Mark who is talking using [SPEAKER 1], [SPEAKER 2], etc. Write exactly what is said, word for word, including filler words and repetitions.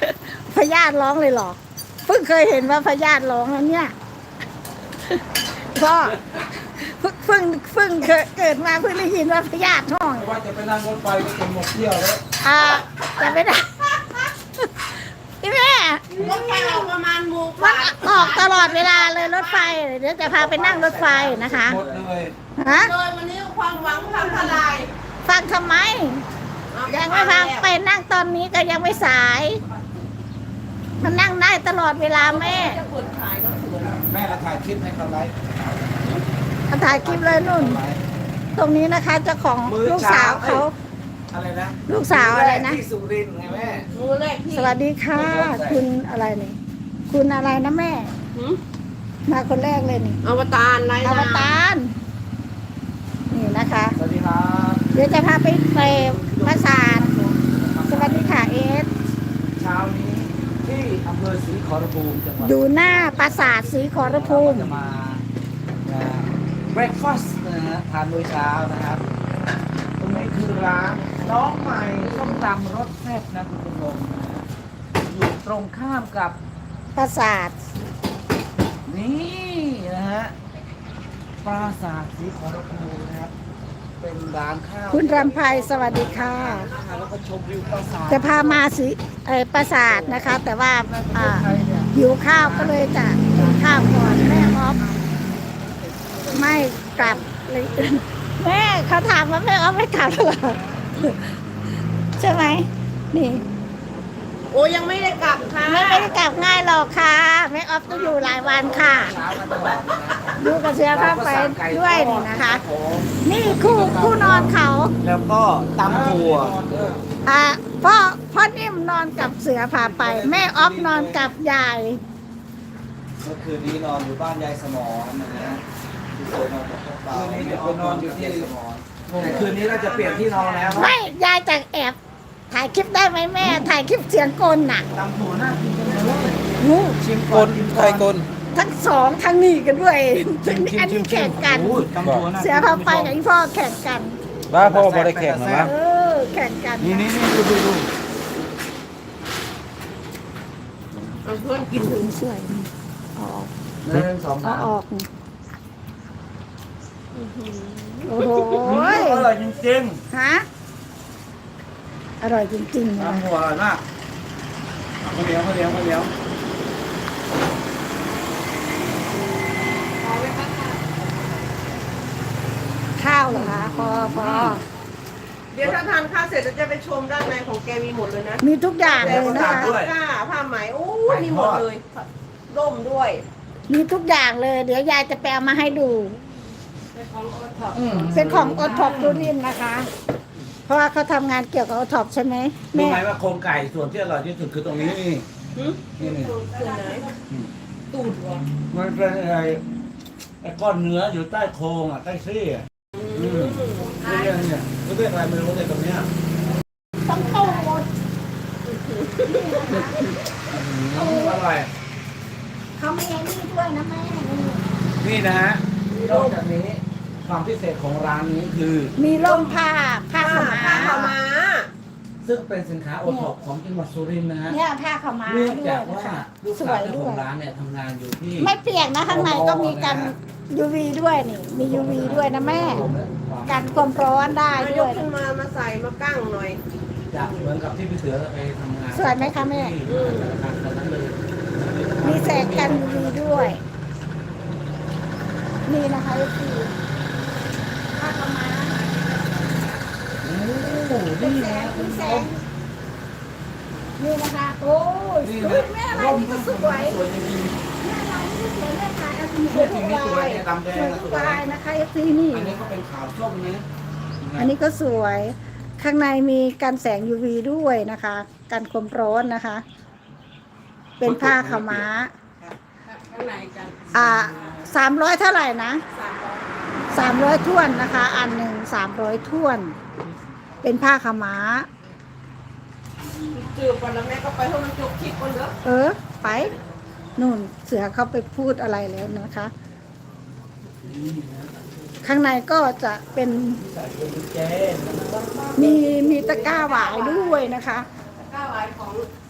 [SPEAKER 1] พญาติร้องเลยเหรอเพิ่งเคยเห็นว่าพญาติร้องแล้วเนี่ยก็เพิ่งเพิ่งเคยเกิดมาเพิ่งได้ยินว่าพญาติห้อง
[SPEAKER 2] ว่าจะไปนั่งรถไฟก็จะหมดเที่ยวแล้ว
[SPEAKER 1] อ่าจะไม่ได้พี่แม่
[SPEAKER 3] รถไฟออกประมาณโมงก
[SPEAKER 1] มั
[SPEAKER 3] ว่าน
[SPEAKER 1] ออกตลอดเวลาเลยรถไฟเดี๋ยวจะพาไปนั่งรถไฟนะคะ
[SPEAKER 2] หมดเลย
[SPEAKER 1] ฮะ
[SPEAKER 3] เลยวันนี้ความหวังพังทลาย
[SPEAKER 1] ฟังทำไมยังไม่ฟังไปนั่งตอนนี้ก็ยังไม่สายมันนั่งได้ตลอดเวลาแม่
[SPEAKER 3] จะกดขายก็สวย
[SPEAKER 2] แม่เราถ่ายคลิปให้เขาไลฟ์
[SPEAKER 1] ถ่ายคลิปเลยนุ่น ตรงนี้นะคะเจ้าของลูกสาวเขา
[SPEAKER 2] อะไรนะ
[SPEAKER 1] ลูกสาวอะไรนะ
[SPEAKER 2] ที่สุรินทร์ไงแม่
[SPEAKER 3] มือแรกที่
[SPEAKER 1] สวัสดีค่ะ คุณอะไรนี่ คุณอะไรนะแม่
[SPEAKER 3] หืม
[SPEAKER 1] มาคนแรกเลยนี่
[SPEAKER 3] อวตารไร
[SPEAKER 1] อว
[SPEAKER 3] นะ
[SPEAKER 1] ตารนี่นะคะ
[SPEAKER 2] สวัสดีครับ
[SPEAKER 1] เดี๋ยวจะพาไปไปปราสาทสวัสดีค่ะเอส
[SPEAKER 2] เช้านี้ที่อำเภอศรีขอรภูมิจังหวัด
[SPEAKER 1] อยู่หน้าปราสาทศรีขอรภูมิ
[SPEAKER 2] จะมาเบรคฟาสต์นะฮะทานมื้อเช้านะครับตรงนี้คือร้านน้องใหม่ส้มตำรสแซ่บนะคุณผู้ชมนะฮะอยู่ตรงข้ามกับ
[SPEAKER 1] ปราสาท
[SPEAKER 2] นี่นะฮะปราสาทศรีขอรภูมินะครับ เป็นร้านข้าว
[SPEAKER 1] คุณรำไพสวัสดีค่ะ
[SPEAKER 2] แล้วก็ชมวิวปราสาท
[SPEAKER 1] จะพามาสิเอ่อปราสาทนะคะ แต่ว่าอ่าหิวข้าวก็เลยจะกินข้าวก่อนแม่ออฟไม่กลับเลย แม่เขาถามว่าแม่ออฟไม่กลับเหรอใช่ไหมนี่
[SPEAKER 3] โอ้ยังไม่ได้กลับค่ะ
[SPEAKER 1] ไม่ไม่ได้กลับง่ายหรอกค่ะแม่ออฟต้องอยู่หลายวันค่ะ
[SPEAKER 2] เช้ามาตลอดนะ
[SPEAKER 1] ดูกระเสือผ้าไปด้วยนี่นะคะ นี่คู่คู่นอนเขา
[SPEAKER 2] แล้วก็ตำถั่ว
[SPEAKER 1] อ่าพ่อพ่อนิ่มนอนกับเสือพาไป แม่ออฟนอนกับยาย
[SPEAKER 2] เมื่อคืนนี้นอนอยู่บ้านยายสมอนนะฮะที่เคยนอนกับพวกเราคืนนี้เดี๋ยวนอนอยู่ที่สมอนแต่คืนนี้เราจะเปลี่ยนที่นอนแล้ว
[SPEAKER 1] ไม่ยายจะแอบถ่ายคลิปได้ไหมแม่ ถ่ายคลิปเสียงกลน่ะ
[SPEAKER 2] ตำถั่วน่ากินจังเลย
[SPEAKER 1] งู
[SPEAKER 2] ชิมกลไทยกล
[SPEAKER 1] ทั้งสองทั้งนี่กันด้วยอันนี้แข่งกัน
[SPEAKER 2] ตำถั่วน่า
[SPEAKER 1] เสือพาไปกับอีพ่อแข่งกัน
[SPEAKER 4] บ้าพ่อบริแข่งเหรอวะ
[SPEAKER 1] เออแข่งกัน
[SPEAKER 2] นี่นี่นี่ดูดูดู
[SPEAKER 3] เอาเพื่อนกินถึง
[SPEAKER 1] สวยออก
[SPEAKER 2] หนึ่งสอง
[SPEAKER 1] เอา
[SPEAKER 2] สาม
[SPEAKER 1] ออกโอ้โห
[SPEAKER 2] อร่อยจริง
[SPEAKER 1] ฮะอร่อยจริงๆ
[SPEAKER 2] ๆ
[SPEAKER 1] นะ
[SPEAKER 2] ตำถั่วอร่อยมากข้าวเหนียวข้าวเหนียวข้าวเหนียว
[SPEAKER 1] ข้าวเหรอคะพอพอ
[SPEAKER 3] เดี๋ยวถ้าทานข้าวเสร็จเราจะไปชมด้านในของแกมีหมดเลยนะ
[SPEAKER 1] มีทุกอย่างเลยนะคะ
[SPEAKER 3] ผ้าผ้าไหมโอ้ยมีหมดเลยร่มด้วย
[SPEAKER 1] มีทุกอย่างเลย เดี๋ยวยายจะแปลมาให้ดู
[SPEAKER 2] อืม
[SPEAKER 1] เป็นของอท็อปดูรินนะคะ เพราะว่าเขาทำงานเกี่ยวกับอท็อปใช่ไหม
[SPEAKER 2] รู้
[SPEAKER 1] แม่
[SPEAKER 2] ไหมว่าโครงไก่ส่วนที่อร่อยที่สุดคือตรงนี้นี่
[SPEAKER 3] หืม
[SPEAKER 2] นี่นี่
[SPEAKER 3] ส่วนไหนตูดเหรอ
[SPEAKER 2] มันเป็นอะไรไอ้ก้อนเนื้ออยู่ใต้โครงอ่ะใต้ซี่อ่ะอืมเรียกเนี่ยเรียกอะไรไม่รู้เลยตรงเนี้ย
[SPEAKER 1] ต้องโตหมด
[SPEAKER 2] อืมอร่อย
[SPEAKER 1] เขาไม่ยังนี่ด้วยนะแม่
[SPEAKER 2] นี่นะฮะนอกจากนี้ความพิเศษของร้านนี้คือ
[SPEAKER 1] มีร่มผ้าผ้า
[SPEAKER 3] ผ้า
[SPEAKER 1] ขาว
[SPEAKER 3] ผ้า
[SPEAKER 1] ม้า
[SPEAKER 3] ขาวม้า
[SPEAKER 2] ซึ่งเป็นสินค้าโอท็อปของจังหวัดสุรินทร์นะฮะ
[SPEAKER 1] เนี่ยผ้าขาวม้า
[SPEAKER 2] เนื่อง
[SPEAKER 1] ด้วย
[SPEAKER 2] จาก
[SPEAKER 1] นะ
[SPEAKER 2] ว่า
[SPEAKER 1] คะ
[SPEAKER 2] ลูก
[SPEAKER 1] ส
[SPEAKER 2] สาว
[SPEAKER 1] วย
[SPEAKER 2] เจ้า
[SPEAKER 1] ด้
[SPEAKER 2] ข
[SPEAKER 1] ว
[SPEAKER 2] อย งร้านเนี่ยทำงานอยู่ที่
[SPEAKER 1] ไม่เปียกนะข้างในก็มีกัน ยู วี ด้วยนี่ มี ยู วี ด้วยนะแม่ กันความร้อนได้
[SPEAKER 3] มาย
[SPEAKER 1] ด้วย
[SPEAKER 3] กขึ้นมามาใส่มากั้งหน่อย
[SPEAKER 2] จะเหมือนกับที่พี่เสือไปทำงาน
[SPEAKER 1] สวยไหมคะแม่
[SPEAKER 2] ที่ธนาคารตอนนั้นเลย
[SPEAKER 1] มีแสงกัน ยู วี ด้วย นี่นะคะคือผ้าขาวม้า
[SPEAKER 2] โอ้โห
[SPEAKER 1] เป็น
[SPEAKER 2] นี่
[SPEAKER 1] แส
[SPEAKER 2] นะ
[SPEAKER 1] งเป็นแสงนี่นะคะ โอ้ย
[SPEAKER 2] นี่
[SPEAKER 1] สว
[SPEAKER 2] นะ
[SPEAKER 1] ยแม่อะไร
[SPEAKER 2] ร่ม
[SPEAKER 1] นี่ก็
[SPEAKER 2] ก็
[SPEAKER 1] ส
[SPEAKER 2] ส
[SPEAKER 1] ว
[SPEAKER 2] วย ยสวยจริง
[SPEAKER 1] แม่อะไรนี่ก็สวยแม่ขายเอาสี
[SPEAKER 2] ๆ
[SPEAKER 1] ส
[SPEAKER 2] เสื้
[SPEAKER 1] ว
[SPEAKER 2] อย ที
[SPEAKER 1] ทุก
[SPEAKER 2] นี้สว
[SPEAKER 1] ลาย ย
[SPEAKER 2] เนี่ยดำแด
[SPEAKER 1] ส
[SPEAKER 2] ง
[SPEAKER 1] วย
[SPEAKER 2] นะ
[SPEAKER 1] ทุ
[SPEAKER 2] ส
[SPEAKER 1] ก
[SPEAKER 2] วย
[SPEAKER 1] ลายนะคะเอฟซีนี่
[SPEAKER 2] อันนี้ก็เป็นขาวส้มนะ
[SPEAKER 1] อันนี้ก็สวย ข้างในมีกันแสง ยู วี ด้วยนะคะ กันความร้อนนะคะ เป็นผ้าขาวม้า
[SPEAKER 3] ข้างในกัน
[SPEAKER 1] อ่าสามร้อยเท่าไหร่นะ
[SPEAKER 3] สามร้อย
[SPEAKER 1] สามร้อยท้วนนะคะ อันหนึ่งสามร้อยท้วน เป็นผ้าขาวม้า
[SPEAKER 3] จืดก่อนแล้วแม่ก็ไปให้มันจบคลิปก่อนเนอะ
[SPEAKER 1] เออ ไปนู่นเสือเขาไปพูดอะไรแล้วนะคะ ข้างในก็จะเป็นมีมีตะกร้าหวายด้วยนะคะ
[SPEAKER 3] ก้าวไว้ของ